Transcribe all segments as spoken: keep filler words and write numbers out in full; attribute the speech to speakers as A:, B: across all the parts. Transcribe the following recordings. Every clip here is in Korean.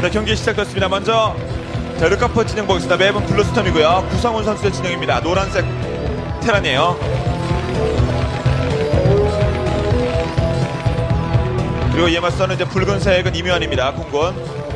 A: 경기 시작됐습니다. 먼저 자, 르카프 진영 보겠습니다. 맵은 블루스톰이고요. 구성훈 선수의 진영입니다. 노란색 테란이에요. 그리고 이에 맞서는 이제 붉은색은 이묘한입니다. 공군.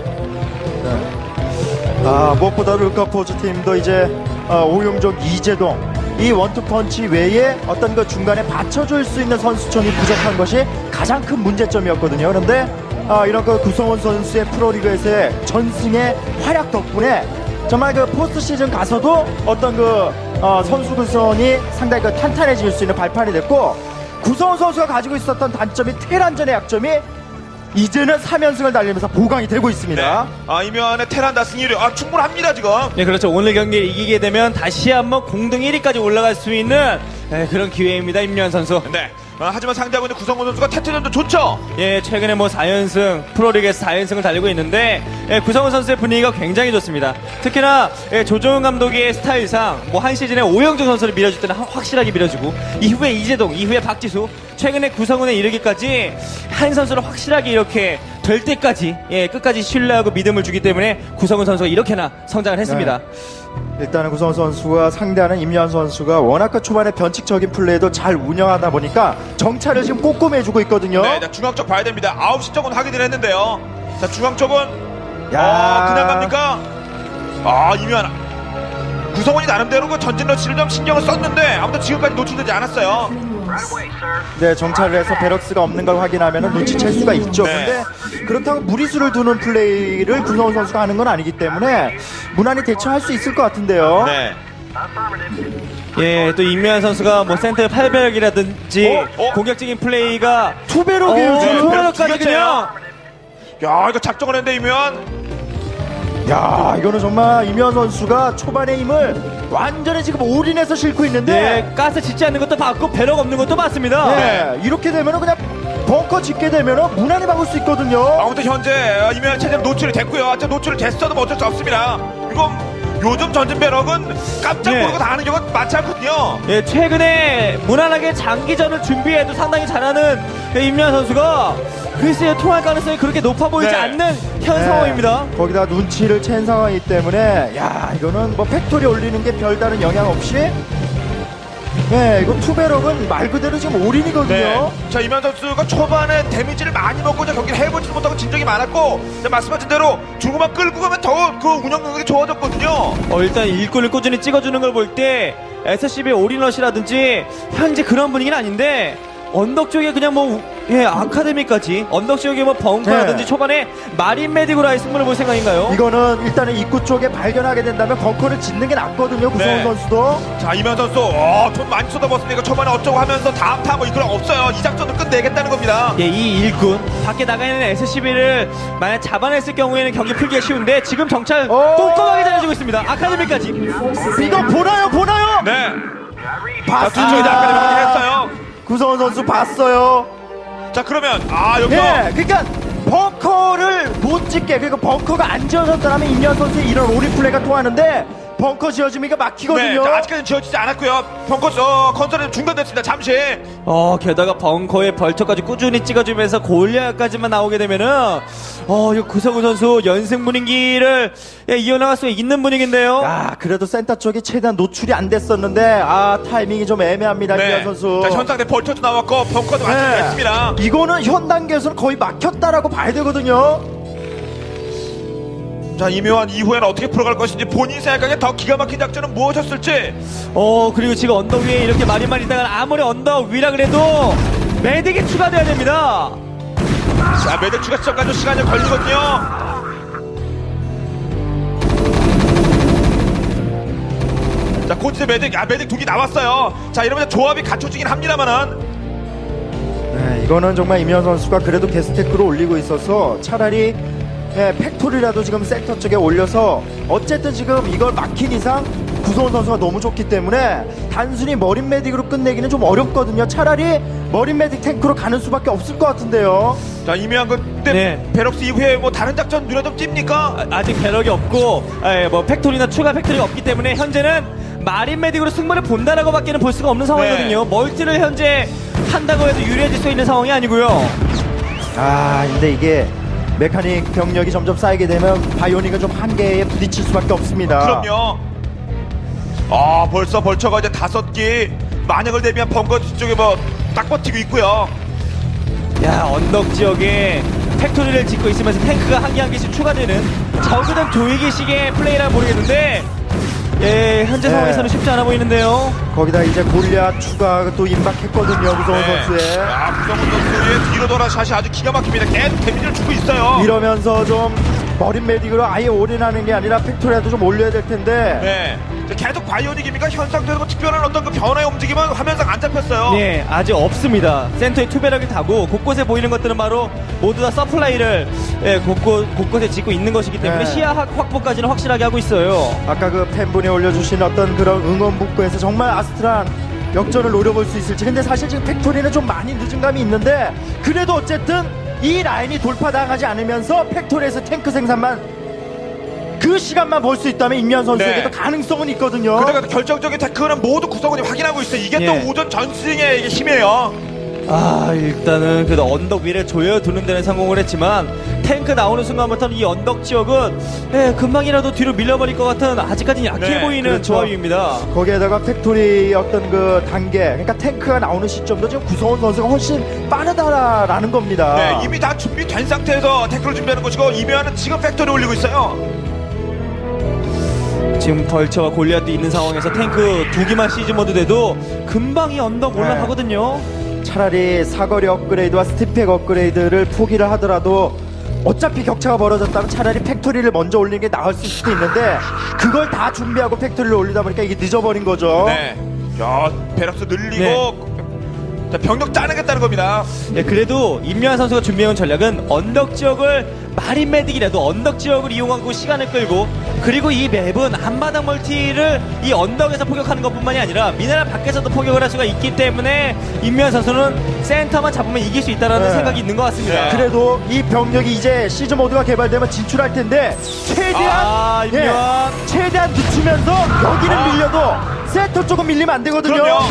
B: 아, 무엇보다 르카포즈 팀도 이제 어, 오용종, 이재동 이 원투펀치 외에 어떤 그 중간에 받쳐줄 수 있는 선수촌이 부족한 것이 가장 큰 문제점이었거든요. 그런데 아, 이런 그 구성원 선수의 프로리그에서의 전승의 활약 덕분에 정말 그 포스트 시즌 가서도 어떤 그 어, 선수 구성이 상당히 그 탄탄해질 수 있는 발판이 됐고, 구성원 선수가 가지고 있었던 단점이 테란전의 약점이 이제는 삼 연승을 달리면서 보강이 되고 있습니다.
A: 네. 아, 이묘한의 테란 다승률이 아, 충분합니다 지금.
C: 네, 그렇죠. 오늘 경기를 이기게 되면 다시 한번 공동 일 위까지 올라갈 수 있는 네, 그런 기회입니다. 임요한 선수.
A: 네. 아, 하지만 상대하고 있는 구성훈 선수가 태트전도 좋죠.
C: 예, 최근에 뭐 사 연승, 프로리그에서 사 연승을 달리고 있는데, 예, 구성훈 선수의 분위기가 굉장히 좋습니다. 특히나, 예, 조정훈 감독의 스타일상, 뭐 한 시즌에 오영종 선수를 밀어줄 때는 확실하게 밀어주고, 이후에 이재동, 이후에 박지수, 최근에 구성훈에 이르기까지 한 선수를 확실하게 이렇게 될 때까지, 예, 끝까지 신뢰하고 믿음을 주기 때문에 구성훈 선수가 이렇게나 성장을 했습니다.
B: 네. 일단은 구성원 선수가 상대하는 임요한 선수가 워낙 그 초반에 변칙적인 플레이도 잘 운영하다 보니까 정찰을 지금 꼼꼼히 해주고 있거든요.
A: 네, 자, 중앙 쪽 봐야 됩니다. 아홉 시 쪽은 확인을 했는데요. 자, 중앙 쪽은
B: 야.
A: 어, 그냥 갑니까? 아, 이묘한 구성원이 나름대로 그 전진 러시를 좀 신경을 썼는데 아무튼 지금까지 노출되지 않았어요.
B: 네, 정찰을 해서 베럭스가 없는 걸 확인하면 눈치챌 수가 있죠.
A: 네.
B: 근데 그렇다고 무리수를 두는 플레이를 구성원 선수가 하는 건 아니기 때문에 무난히 대처할 수 있을 것 같은데요.
A: 네.
C: 예, 또 임요한 선수가 뭐 센터 팔배력이라든지
A: 어? 어?
C: 공격적인 플레이가
B: 투배럭이에요,
C: 어,
B: 지금.
C: 투배럭까지
A: 두
C: 그냥
A: 야, 이거 작정을 했는데 이묘한.
B: 야, 이거는 정말 임요한 선수가 초반의 힘을 완전히 지금 올인해서 싣고 있는데
C: 네, 가스 짓지 않는 것도 봤고 배럭 없는 것도 봤습니다.
B: 네, 이렇게 되면은 그냥 벙커 짓게 되면은 무난히 막을 수 있거든요.
A: 아무튼 현재 이묘한 체제는 노출이 됐고요. 자, 노출이 됐어도 뭐 어쩔 수 없습니다. 이건 요즘 전진 배럭은 깜짝
C: 네.
A: 모르고 당하는 경우가 많지 않거든요.
C: 예, 최근에 무난하게 장기전을 준비해도 상당히 잘하는 임요한 선수가 글쎄요, 통할 가능성이 그렇게 높아 보이지
A: 네.
C: 않는 현
B: 네.
C: 상황입니다.
B: 거기다 눈치를 챈 상황이기 때문에 야, 이거는 뭐 팩토리 올리는 게 별다른 영향 없이 네, 이거 투배럭은 말 그대로 지금 올인이거든요.
A: 네. 자, 이묘한 선수가 초반에 데미지를 많이 먹고 이제 경기를 해보지도 못하고 진적이 많았고, 자, 말씀하신 대로 중후반 끌고 가면 더 그 운영 능력이 좋아졌거든요.
C: 어, 일단 일꾼을 꾸준히 찍어주는 걸 볼 때 에스씨비의 올인러시라든지 현재 그런 분위기는 아닌데 언덕 쪽에 그냥 뭐 예, 아카데미까지 언덕 쪽에 뭐 벙커라든지
B: 네.
C: 초반에 마린 메디고로 아예 승부를 볼 생각인가요?
B: 이거는 일단은 입구 쪽에 발견하게 된다면 벙커를 짓는 게 낫거든요. 구성원
A: 네.
B: 선수도.
A: 자, 이묘한 선수, 어, 돈 많이 쏟아붓으니까 초반에 어쩌고 하면서 다음 타 뭐 이런 거 없어요. 이 작전을 끝내겠다는 겁니다.
C: 예, 이 일꾼 밖에 나가 있는 에스씨비를 만약 잡아냈을 경우에는 경기 풀기가 쉬운데 지금 정찰
B: 오!
C: 꼼꼼하게 잘해주고 있습니다. 아카데미까지.
B: 이거 보나요, 보나요?
A: 네. 자,
B: 봤습니다.
A: 두 쪽이 다 아카데미 확인했어요.
B: 구성원 선수 봤어요.
A: 자, 그러면, 아, 여기서.
B: 예, 그러니까 벙커를 못 짓게, 그러니까 벙커가 안 지어졌더라면 임현 선수의 이런 올인 플레이가 통하는데 벙커 지어지니까
A: 네,
B: 막히거든요.
A: 자, 아직까지는 지어지지 않았고요. 벙커, 어, 컨설은 중단됐습니다. 잠시.
C: 어, 게다가 벙커에 벌처까지 꾸준히 찍어주면서 골리앗까지만 나오게 되면은 어, 이 구성우 선수 연승 분위기를 예, 이어나갈 수 있는 분위기인데요.
B: 아, 그래도 센터 쪽이 최대한 노출이 안 됐었는데 아, 타이밍이 좀 애매합니다. 임현 선수.
A: 자, 현상대 벌쳐도 나왔고, 벙커도 완성됐습니다.
B: 이거는 현 단계에서는 거의 막혔다라고 봐야 되거든요.
A: 자, 이묘한 이후에는 어떻게 풀어갈 것인지 본인 생각에 더 기가 막힌 작전은 무엇이었을지.
C: 어, 그리고 지금 언덕 위에 이렇게 마리만 있다가 아무리 언덕 위라 그래도 매딕이 추가돼야 됩니다.
A: 자, 매듭 추가 시점까지 시간이 걸리거든요. 자, 곧 이제 매듭, 아, 매듭 두기 나왔어요. 자, 이러면 조합이 갖춰지긴 합니다만은.
B: 네, 이거는 정말 임현 선수가 그래도 게스테크로 올리고 있어서 차라리 예, 팩토리라도 지금 센터 쪽에 올려서 어쨌든 지금 이걸 막힌 이상 구성원 선수가 너무 좋기 때문에 단순히 머린 메딕으로 끝내기는 좀 어렵거든요. 차라리 머린 메딕 탱크로 가는 수밖에 없을 것 같은데요.
A: 자, 이묘한 그때
C: 네.
A: 베럭스 이후에 뭐 다른 작전 눈에 좀 띕니까?
C: 아, 아직 배럭이 없고 예, 뭐 팩토리나 추가 팩토리가 없기 때문에 현재는 마린 메딕으로 승부를 본다라고 밖에는 볼 수가 없는 상황이거든요.
A: 네.
C: 멀티를 현재 한다고 해도 유리해질 수 있는 상황이 아니고요.
B: 아, 근데 이게 메카닉 병력이 점점 쌓이게 되면 바이오닉은 좀 한계에 부딪힐 수밖에 없습니다.
A: 그럼요. 아 벌써 벌처가 이제 다섯 개 만약을 대비한 벙커 뒤쪽에 뭐 딱 버티고 있고요.
C: 야, 언덕 지역에 팩토리를 짓고 있으면서 탱크가 한 개 한 개씩 추가되는 적은 조이기식의 플레이라 모르겠는데, 예, 현재
B: 네.
C: 상황에서는 쉽지 않아 보이는데요.
B: 거기다 이제 골리앗 추가가 또 임박했거든요. 구성원
A: 네.
B: 선수의.
A: 아 구성훈 선수의 뒤로 돌아 샷이 아주 기가 막힙니다. 계속 데미지를 주고 있어요.
B: 이러면서 좀 머린 메딕으로 아예 올인하는 게 아니라 팩토리라도 좀 올려야 될 텐데.
A: 네. 계속 바이오닉입니까? 현 상태에서 뭐 특별한 어떤 그 변화의 움직임은 화면상 안 잡혔어요.
C: 예, 아직 없습니다. 센터에 투배럭을 타고 곳곳에 보이는 것들은 바로 모두 다 서플라이를 예, 곳곳, 곳곳에 짓고 있는 것이기 때문에
B: 네.
C: 시야 확- 확보까지는 확실하게 하고 있어요.
B: 아까 그 팬분이 올려주신 어떤 그런 응원 문구에서 정말 아스트란 역전을 노려볼 수 있을지. 근데 사실 지금 팩토리는 좀 많이 늦은 감이 있는데, 그래도 어쨌든 이 라인이 돌파당하지 않으면서 팩토리에서 탱크 생산만 그 시간만 볼 수 있다면 임현 선수에게도
A: 네.
B: 가능성은 있거든요.
A: 그러니까 결정적인 태클은 모두 구성원이 확인하고 있어요. 이게
C: 예.
A: 또 오전 전승의 이게 힘이에요.
C: 아, 일단은 그래도 언덕 위를 조여두는 데는 성공을 했지만 탱크 나오는 순간부터는 이 언덕 지역은 예, 금방이라도 뒤로 밀려버릴 것 같은 아직까지는 약해
A: 네,
C: 보이는
B: 그렇죠.
C: 조합입니다.
B: 거기에다가 팩토리 어떤 그 단계, 그러니까 탱크가 나오는 시점도 지금 구성원 선수가 훨씬 빠르다라는 겁니다.
A: 네, 이미 다 준비된 상태에서 태클을 준비하는 것이고 이면은 지금 팩토리 올리고 있어요.
C: 지금 벌처와 골리앗도 있는 상황에서 탱크 두 개만 시즈 모드 돼도 금방 이 언덕
B: 네.
C: 올라가거든요.
B: 차라리 사거리 업그레이드와 스티팩 업그레이드를 포기를 하더라도 어차피 격차가 벌어졌다면 차라리 팩토리를 먼저 올리는 게 나을 수도 있는데, 그걸 다 준비하고 팩토리를 올리다 보니까 이게 늦어버린 거죠.
A: 네. 야, 베럭스 늘리고
C: 네.
A: 자, 병력 짜내겠다는 겁니다.
C: 예, 그래도 임요한 선수가 준비해온 전략은 언덕 지역을 마린 메딕이라도 언덕 지역을 이용하고 시간을 끌고, 그리고 이 맵은 한바닥 멀티를 이 언덕에서 포격하는 것뿐만이 아니라 미네랄 밖에서도 포격을 할 수가 있기 때문에 임요한 선수는 센터만 잡으면 이길 수 있다는
B: 네.
C: 생각이 있는 것 같습니다.
A: 네.
B: 그래도 이 병력이 이제 시즈 모드가 개발되면 진출할 텐데, 최대한
C: 아,
B: 예,
C: 임요한.
B: 최대한 늦추면서 여기는
A: 아.
B: 밀려도 센터 쪽은 밀리면 안 되거든요.
A: 그럼요.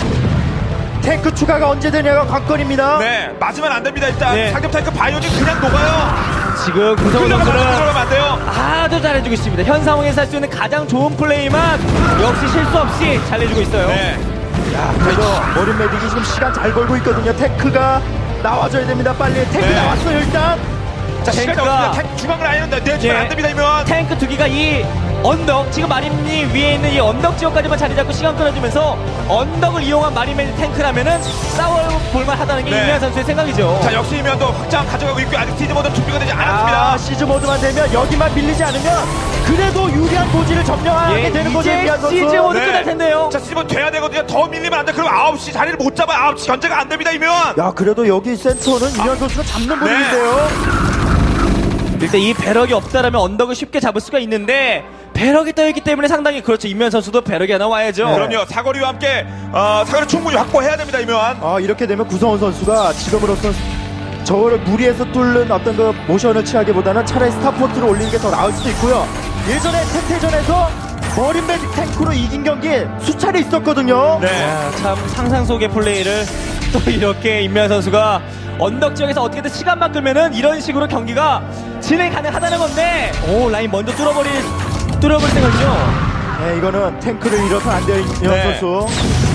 B: 탱크 추가가 언제 되냐가 관건입니다.
A: 네, 맞으면 안 됩니다. 일단
C: 네.
A: 상대 탱크 바이오닉 그냥 녹아요.
C: 지금 구성훈
A: 흘러가면
C: 선수는
A: 들어가면 안 돼요.
C: 아주 잘해주고 있습니다. 현 상황에서 할 수 있는 가장 좋은 플레이만 역시 실수 없이 잘해주고 있어요.
A: 네.
B: 야, 그래도 머린 메딕이 지금 시간 잘 벌고 있거든요. 탱크가 나와줘야 됩니다. 빨리. 탱크
A: 네.
B: 나왔어요, 일단.
A: 자, 시간이
C: 탱크가-
A: 없습니다. 탱크 중앙을 아예 내주면
C: 예.
A: 안 됩니다. 이면.
C: 탱크 두 개가 이 언덕, 지금 마린이 위에 있는 이 언덕 지역까지만 자리 잡고 시간 끌어주면서 언덕을 이용한 마린맨 탱크라면은 싸워볼만 하다는 게
A: 네.
C: 임현 선수의 생각이죠.
A: 자, 역시 이면도 확장 가져가고 있고 아직 시즈 모드 준비가 되지 않았습니다.
B: 아, 시즈 모드만 되면 여기만 밀리지 않으면 그래도 유리한 고지를 점령하게
C: 예,
B: 되는 거죠,
C: 이제
B: 임현 선수.
C: 시즈 모드 끝날 텐데요.
A: 자, 시즈 모드 돼야 되거든요. 더 밀리면 안 돼. 그럼 아홉 시 자리를 못 잡아요. 아홉 시 견제가 안 됩니다. 이면.
B: 야, 그래도 여기 센터는 임현 선수가 잡는 분인데요.
C: 일단 이 배럭이 없다라면 언덕을 쉽게 잡을 수가 있는데 배럭이 떠있기 때문에 상당히 그렇죠. 임현 선수도 배럭이 하나 와야죠.
B: 네.
A: 그럼요. 사거리와 함께 어, 사거리 충분히 확보해야 됩니다. 이면.
B: 아, 이렇게 되면 구성원 선수가 지금으로선 저거를 무리해서 뚫는 어떤 그 모션을 취하기보다는 차라리 스타포트를 올리는 게 더 나을 수도 있고요. 예전에 태태전에서 머린 메딕 탱크로 이긴 경기 수차례 있었거든요.
A: 네.
C: 야, 참 상상 속의 플레이를 또 이렇게 임현 선수가 언덕 지역에서 어떻게든 시간만 끌면은 이런 식으로 경기가 진행 가능하다는 건데, 오, 라인 먼저 뚫어버릴 뚫어버릴 생각이죠.
B: 네, 이거는 탱크를 잃어서 안 돼요, 임현
A: 네.
B: 선수.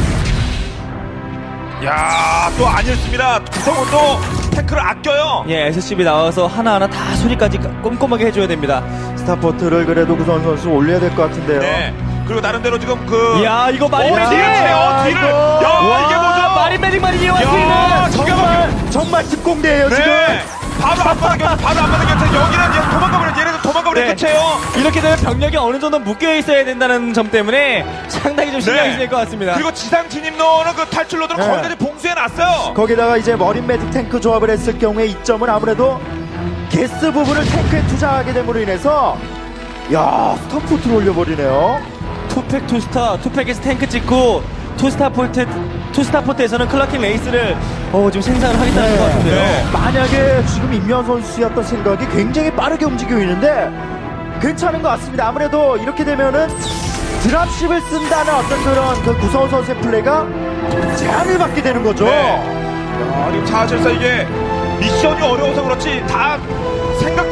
A: 야, 또 아니었습니다. 구성원도 탱크를 아껴요.
C: 예, 에스씨비 나와서 하나하나 다 소리까지 꼼꼼하게 해줘야 됩니다.
B: 스타포트를 그래도 구성원 선수 올려야 될 것 같은데요.
A: 네. 그리고 나름대로 지금 그
C: 이야, 이거 마린
A: 어,
C: 메딕!
A: 뒤를 치네요. 뒤를.
B: 이거.
A: 야,
C: 와,
A: 이게 뭐죠?
C: 마린 메딕 말이에요.
A: 야,
C: 왔으면
A: 기가
B: 정말 정말 특공대예요, 지금.
A: 네. 바로 앞바닥 곁에 바로 앞바닥 곁에 여기는 이제 도망가버려. 얘네들 도망가버려.
C: 네.
A: 끝이에요.
C: 이렇게 되면 병력이 어느 정도 묶여 있어야 된다는 점 때문에 상당히 좀 신경이
A: 네.
C: 쓰일 것 같습니다.
A: 그리고 지상 진입로는 그 탈출로들은
B: 네.
A: 거기까지 봉쇄해놨어요.
B: 거기다가 이제 머린 메딕 탱크 조합을 했을 경우에 이점은 아무래도 게스 부분을 탱크에 투자하게 됨으로 인해서, 야, 스타포트를 올려버리네요.
C: 투팩 투스타, 투팩에서 탱크 찍고 투스타 포트, 투스타 포트에서는 클라킹 레이스를 어, 지금 생산을 하겠다는 것 같은데요.
A: 네.
B: 만약에 지금 임현 선수였던 생각이 굉장히 빠르게 움직이고 있는데 괜찮은 것 같습니다. 아무래도 이렇게 되면은 드랍십을 쓴다는 어떤 그런 그 구성원 선수의 플레이가 제한을 받게 되는 거죠.
A: 네. 야, 지금 사실상 이게 미션이 어려워서 그렇지 다 생각대로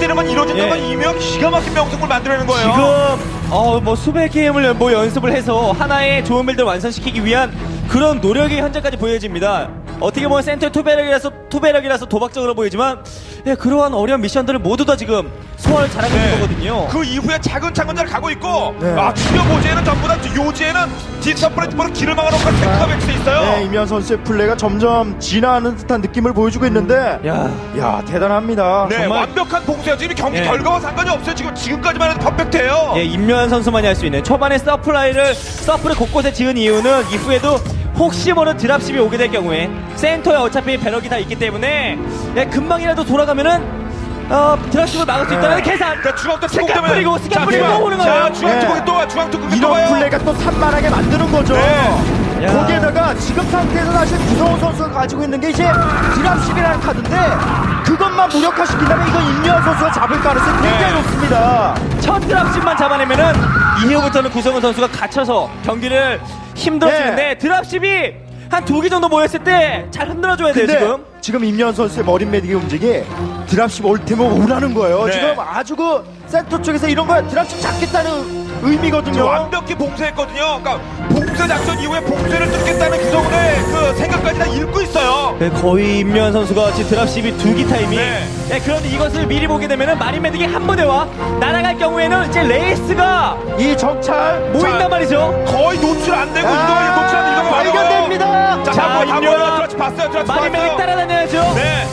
A: 예상되는 건 이루어진다는
C: 예.
A: 건 이면 기가 막힌 명승을 만들어내는 거예요.
C: 지금 어 뭐 수백 게임을 뭐 연습을 해서 하나의 좋은 빌드를 완성시키기 위한 그런 노력이 현재까지 보여집니다. 어떻게 보면 센터의 투배력이라서 투배력이라서 도박적으로 보이지만 예, 그러한 어려운 미션들을 모두 다 지금 소화를 잘하고 있는 거거든요.
A: 그 이후에 차근차근 잘 가고 있고
B: 네.
A: 아 주요 모지에는 전부 다 요지에는 디지털 플랫폼으로 길을 막아놓고 테크가 백스 있어요.
B: 네, 임현 선수의 플레이가 점점 진화하는 듯한 느낌을 보여주고 있는데
C: 야,
B: 야 대단합니다.
A: 네,
C: 정말-
A: 완벽한 봉쇄요. 지금 경기
C: 예.
A: 결과와 상관이 없어요. 지금 지금까지만 해도 퍼펙트해요.
C: 예, 임요한 선수만이 할 수 있는 초반에 서플라이를 서플을 곳곳에 지은 이유는 이후에도 혹시 모르는 드랍십이 오게 될 경우에 센터에 어차피 배럭이 다 있기 때문에 예, 금방이라도 돌아가면은 어, 드랍십을 막을 수 있다는 계산.
A: 그러니까 중앙도
C: 스캔 뿌리고 스캔 뿌리고 또 오는
A: 자,
C: 거예요.
A: 중앙
B: 네.
A: 투공이 또 중앙 투공이 또
B: 이런
A: 와요.
B: 플레이가 또 산만하게 만드는 거죠.
A: 네.
C: 야.
B: 거기에다가 지금 상태에서 사실 구성훈 선수가 가지고 있는 게 이제 드랍십이라는 카드인데 그것만 무력화시킨다면 이건 임요한 선수가 잡을 가능성이 굉장히
A: 네.
B: 높습니다.
C: 첫 드랍십만 잡아내면은 이후부터는 구성훈 선수가 갇혀서 경기를 힘들어지는데
B: 네.
C: 드랍십이 한 두 개 정도 모였을 때 잘 흔들어줘야 돼요
B: 근데
C: 지금.
B: 지금 임요한 선수의 머린 매딕의 움직이 드랍십 올 테면 오라는 거예요.
A: 네.
B: 지금 아주 그 센터 쪽에서 이런 거 드랍십 잡겠다는 의미거든요.
A: 지금 완벽히 봉쇄했거든요. 그러니까 봉쇄 작전 이후에 봉쇄를 뚫겠다는 구성원의 그 생각까지 다 읽고 있어요.
C: 네, 거의 임요한 선수가 지금 드랍십이 두 기 타이밍.
A: 네.
C: 네, 그런데 이것을 미리 보게 되면은 마린 메딕이 한 번에와 날아갈 경우에는 이제 레이스가
B: 이 정찰
C: 모인단
A: 자,
C: 말이죠.
A: 거의 노출 안 되고
B: 아,
A: 이동이 노출 안 되고 이동이
B: 발견됩니다.
A: 자,
C: 자,
A: 자, 한번
C: 임요한.
A: 한번 드라치 봤어요. 드라치
C: 마린 메딕
A: 봤어요.
C: 따라다녀야죠.
A: 네.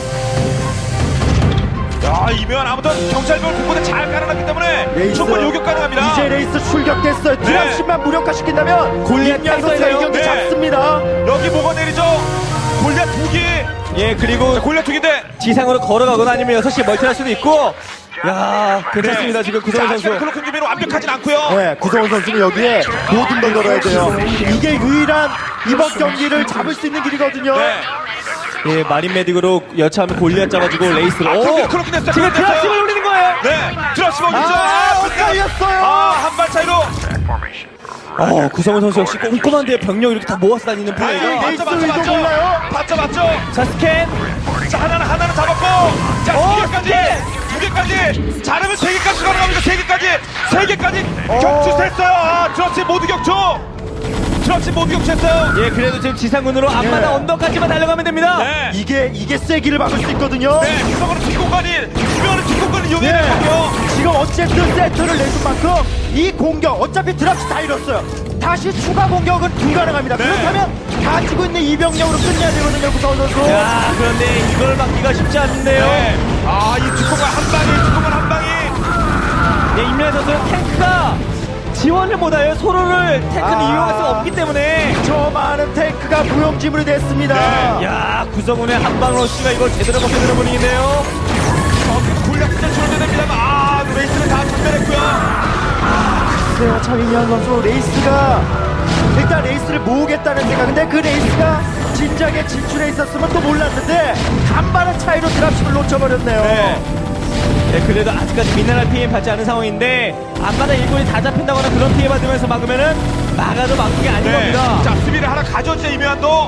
A: 야, 이면 아무튼 경찰병을 곳곳에 잘 깔아놨기 때문에
B: 레이스.
A: 충분히 요격 가능합니다.
B: 이제 레이스 출격됐어요. 드랍십만 무력화시킨다면
C: 골리앗
B: 임요한 선수가 이
C: 탔어요.
B: 경기
A: 네.
B: 잡습니다.
A: 여기 뭐가 내리죠? 골리앗 두 기.
C: 예, 그리고
A: 자, 골리앗 두 기인데.
C: 지상으로 걸어가거나 아니면 여섯 시에 멀티할 수도 있고. 야, 괜찮습니다. 지금 구성훈
A: 자,
C: 선수.
A: 클로큰 준비는 완벽하진 않고요.
B: 네, 구성훈 선수는 여기에 모든 걸 걸어야 돼요. 이게 유일한 이번 경기를 잡을 수 있는 길이거든요.
A: 네.
C: 예, 마린 메딕으로 여차하면 골리앗 잡아주고 레이스로.
A: 아,
C: 오!
A: 그렇게, 그렇게 됐어요.
C: 지금
A: 그렇게 됐어요.
C: 드랍십을 노리는 거예요.
A: 네. 드라치 먹이죠.
B: 아,
A: 근데-
B: 엇갈렸어요.
A: 아, 한 발 차이로.
C: 어, 구성훈 선수 역시 꼼꼼한데 병력 이렇게 다 모아서 다니는 플레이가.
A: 아유,
B: 레이스
A: 맞죠, 맞죠,
B: 이거
A: 맞죠.
B: 몰라요?
A: 맞죠, 맞죠.
C: 자, 스캔.
A: 자, 하나는 하나는 잡았고, 자,
C: 어,
A: 두 개까지,
C: 스캔!
A: 두 개까지, 잘하면 세 개까지 가능합니다. 세 개까지, 세 개까지
B: 어.
A: 격추했어요. 아, 드러치 모두 격추. 드러치 모두 격추했어요.
C: 예, 그래도 지금 지상군으로 앞마다
B: 예.
C: 언덕까지만 달려가면 됩니다.
A: 네.
B: 이게 이게 세기를 막을 수 있거든요.
A: 네, 구성으로 뒷공간이, 유명한 뒷공간을 이용해야
B: 네.
A: 되거든요.
B: 지금 어쨌든 세트를 내준 만큼 이 공격 어차피 드랍시 다 잃었어요. 다시 추가 공격은 불가능합니다.
A: 네.
B: 그렇다면 가지고 있는 이병력으로 끝내야 되거든요, 구성훈 선수.
C: 야, 그런데 이걸 막기가 쉽지 않은데요.
A: 네. 아, 이 뒷공간 한 방이, 뒷공간 한 방이.
C: 예, 임현 선수는 탱크가 지원을 못해요. 서로를 탱크는
B: 아.
C: 이용할 수 없기 때문에.
B: 저 많은 탱크가 무용지물이 됐습니다.
A: 네.
C: 야, 구성훈의 한방 러쉬가 이걸 제대로 먹게 되는 분위기인데요.
A: 저기서 골략 진짜 줄어야 됩니다만, 아, 레이스는 다 전멸했고요.
B: 글쎄요, 참 임현 선수 레이스가 일단 레이스를 모으겠다는 생각인데 그 레이스가 진작에 진출해 있었으면 또 몰랐는데 간만의 차이로 드랍십을 놓쳐버렸네요.
A: 네.
C: 네, 그래도 아직까지 미네랄 피해 받지 않은 상황인데 앞마다 일꾼이 다 잡힌다거나 그런 피해 받으면서 막으면은 막아도 막은 게 아닌
A: 네.
C: 겁니다.
A: 자, 수비를 하나 가져오죠, 이면도.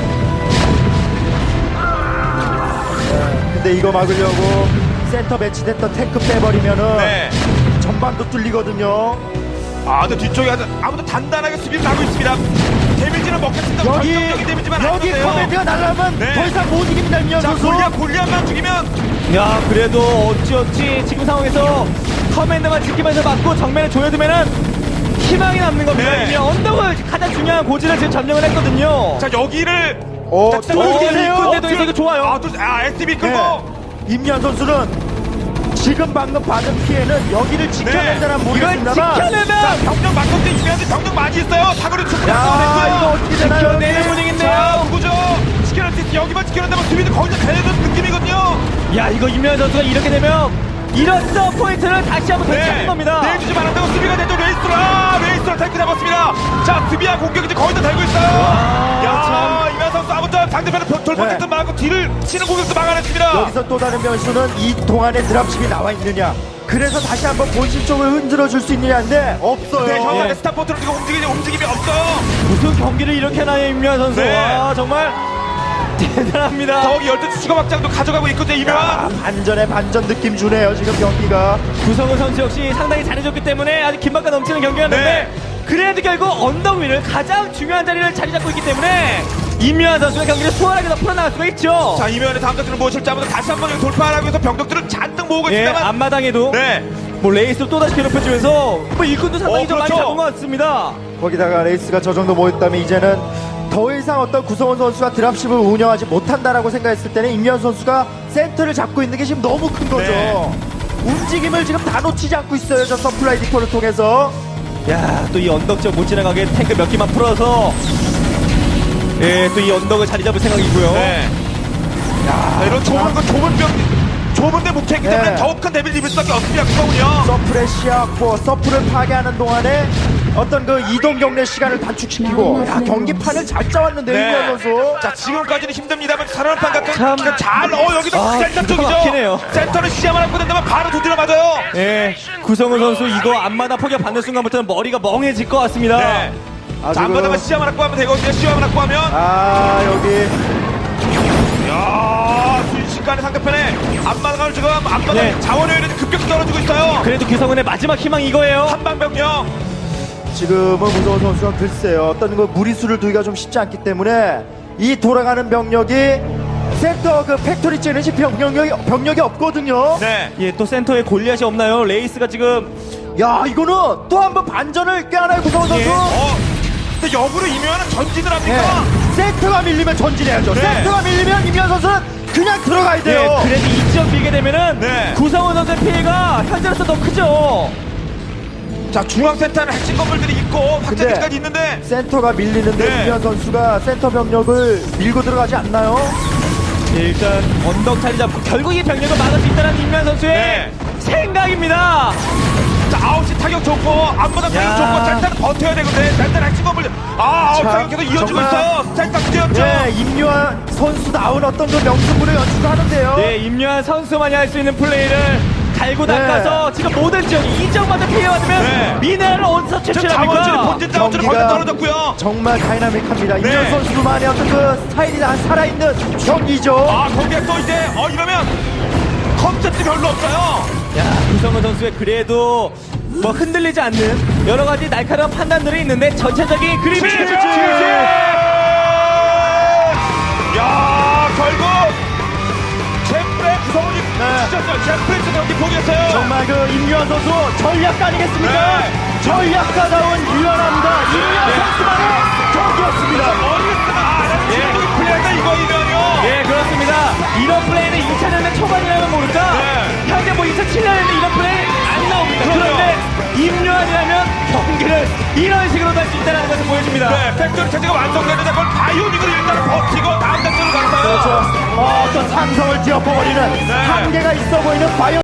B: 근데 이거 막으려고 센터 배치됐던 탱크 빼버리면은
A: 네.
B: 전반도 뚫리거든요.
A: 아, 근데 뒤쪽에 아주 아무도 단단하게 수비를 하고 있습니다. 데미지는 먹겠습니다.
B: 여기
A: 결정적인 데미지만
B: 여기
A: 아니었네요.
B: 커맨드가 날라오면
A: 네.
B: 더 이상 못 이깁니다, 임현
A: 자,
B: 선수.
A: 골리앗, 골리앗만 죽이면.
C: 야, 그래도 어찌어찌 지금 상황에서 커맨드만 지키면서 막고 정면에 조여두면은 희망이 남는 겁니다.
A: 네.
C: 이미 언덕을 가장 중요한 고지를 지금 점령을 했거든요.
A: 자, 여기를.
B: 어,
A: 자,
B: 뚫고
C: 어,
B: 계세요.
C: 이끈데도 이거 좋아요.
A: 아, 또, 아, 에스티비 끌고.
B: 네. 임현 선수는 지금 방금 받은 피해는 여기를 지켜낸다는
A: 네.
C: 이걸
B: 모르겠습니다만
A: 자,
C: 지켜내면
A: 병력 막공대 이면한테 병력 많이 있어요. 사거리 충분히
B: 야, 이거
A: 완성됐고요.
B: 어떻게 되나요?
C: 지켜내는 분위기인데요.
A: 자, 누구죠? 지켜낼 수 있어. 여기만 지켜낸다면 수비도 거의 다 되는 느낌이거든요.
C: 야, 이거 임현 선수가 이렇게 되면 이런 포인트를 다시 한번 되찾는 겁니다.
A: 내주지 말았다고 수비가 되죠. 레이스로. 아, 레이스로 탱크 잡았습니다. 자, 수비와 공격이 이제 거의 다 되고 있어요. 야, 이면 선수 아무튼 상대편을 돌파했던
B: 네.
A: 막고 뒤를 치는 공격도 막아냈습니다.
B: 여기서 또 다른 변수는 이 동안에 드랍십이 나와 있느냐. 그래서 다시 한번 본진 쪽을 흔들어 줄 수 있느냐인데 없어요.
A: 네, 형한테
C: 예.
A: 스타포트로 지금 움직이지 움직임이 없어요.
C: 무슨 경기를 이렇게 하나요, 임현 선수.
A: 네.
C: 와, 정말 대단합니다.
A: 더욱이 열두 시 추가 확장도 가져가고 있거든요.
B: 야,
A: 이면
B: 반전에 반전 느낌 주네요 지금 경기가.
C: 구성훈 선수 역시 상당히 잘해줬기 때문에 아주 긴박감 넘치는 경기였는데
A: 네.
C: 그래도 결국 언덕 위를 가장 중요한 자리를 자리 잡고 있기 때문에 임요한 선수가 경기를 수월하게 더 풀어나갈 수가 있죠.
A: 자 이면의 다음 작전을 무엇일지 한번 다시 한번 여기 돌파하기 위해서 병력들을 잔뜩 모으고
C: 예,
A: 있습니다만
C: 앞마당에도
A: 네.
C: 뭐 레이스로 또다시 괴롭혀주면서 뭐 일꾼도 상당히
A: 어,
C: 좀 많이
A: 그렇죠.
C: 잡은 것 같습니다.
B: 거기다가 레이스가 저 정도 모였다면 이제는 더 이상 어떤 구성원 선수가 드랍십을 운영하지 못한다라고 생각했을 때는 임현 선수가 센터를 잡고 있는 게 지금 너무 큰 거죠.
A: 네.
B: 움직임을 지금 다 놓치지 않고 있어요. 저 서플라이 디포를 통해서.
C: 야, 또 이 언덕 쪽 못 지나가게 탱크 몇 개만 풀어서 예, 또 이 언덕을 자리 잡을 생각이고요.
A: 네. 야, 이런 좁은 건 좁은 병, 좁은데 목표이기 때문에
B: 네.
A: 더욱 큰 데미를 입을 수밖에 없습니다. 그거군요.
B: 서플의 시야고 서플을 파괴하는 동안에 어떤 그 이동 경례 시간을 단축시키고 야, 경기판을 잘 짜왔는데요.
A: 네.
B: 임현 선수.
A: 자, 지금까지는 힘듭니다만 살아남판 같은
C: 참.
A: 그 잘, 어, 여기도
C: 아,
A: 센터
C: 기가
A: 쪽이죠.
C: 막히네요.
A: 센터는 시야만 안고 된다면 바로 두드려 맞아요.
C: 예, 구성훈 선수 이거 앞마당 포격 받는 순간부터는 머리가 멍해질 것 같습니다.
A: 네.
B: 아,
A: 자, 안
B: 지금-
A: 받으면 시야만 안고 하면 되거든요. 시야만 안고 하면.
B: 아 여기
A: 야, 순식간에 상대편에 앞마당을 지금 앞마당
C: 네.
A: 자원효율이 급격히 떨어지고 있어요.
C: 그래도 구성훈의 마지막 희망 이거예요.
A: 한방병력.
B: 지금은 무서운 선수가 글쎄요 어떤 그 무리수를 두기가 좀 쉽지 않기 때문에 이 돌아가는 병력이 센터 그 팩토리 찌르는 병력이 병력이 없거든요.
A: 네.
C: 예, 또 센터에 골리앗이 없나요? 레이스가 지금
B: 야 이거는 또 한 번 반전을 꾀하나요 구성원 선수?
C: 예.
A: 어. 근데 역으로 이면은 전진을 합니까?
B: 네. 센터가 밀리면 전진해야죠.
A: 네.
B: 센터가 밀리면 임현 선수는 그냥 들어가야 돼요.
C: 예, 그래도 이 지역 빌게 되면은
A: 네.
C: 구성훈 선수의 피해가 현재로서 더 크죠.
A: 자, 중앙센터는 핵심 건물들이 있고 확장기까지 있는데
B: 센터가 밀리는데
A: 네.
B: 임현 선수가 센터 병력을 밀고 들어가지 않나요?
C: 예, 일단 언덕 자리 잡고 결국 이 병력을 막을 수 있다는 임면 선수의
A: 네.
C: 생각입니다.
A: 자, 아홉 시 타격 좋고 앞마당 타격
C: 야.
A: 좋고 센터는 버텨야 되거든. 센터는 핵심 건물 아, 아홉
B: 자,
A: 타격 계속 이어지고
B: 정말-
A: 있어요. 센터 뛰었죠.
B: 네, 임요한 선수 나온 어떤 그 명승부를 연출하는데요.
C: 네, 임요한 선수만이 할 수 있는 플레이를 갈고
B: 네.
C: 닦아서 지금 모든 지역이 이 지역마다 피해받으면
A: 네.
C: 미네랄을 어디서
A: 지금 자원줄이
C: 채취합니까?
A: 본진 자원줄이 거의 다 떨어졌고요.
B: 정말 다이나믹합니다.
A: 네.
B: 임현 선수만의 어떤 그 스타일이 다 살아있는 경기죠.
A: 아, 거기에 또 이제 어 이러면 컨셉도 별로 없어요.
C: 야, 구성훈 선수의 그래도 뭐 흔들리지 않는 여러 가지 날카로운 판단들이 있는데 전체적인 그림이
A: 지지! 야, 결국 챔프의 구성원이
B: 네.
A: 지쳤어요. 챔프에서 경기 포기했어요.
B: 정말 그 임요한 선수 전략가 아니겠습니까?
A: 네.
B: 전략가다운 유연합니다. 임요한
A: 네.
B: 선수만의 경기였습니다.
A: 어리겠으면 아, 나는 지금 플레이가 이거이면요.
C: 예, 그렇습니다. 이런 플레이는 이천 년대 초반이라면 모를까?
A: 네.
C: 현재 뭐 이천칠 년에는 이런 플레이 안 나옵니다.
A: 그럼요.
C: 그런데 임요한이라면 경기를 이런 식으로 할 수 있다는 것을 보여줍니다.
A: 네, 팩토리 체제가 완성되는데 그걸 바이오닉으로 일단 버티고 다음 작전으로 갔어요.
B: 그렇죠. 어, 떤 상성을 뒤엎어버리는 한계가 있어 보이는 바이오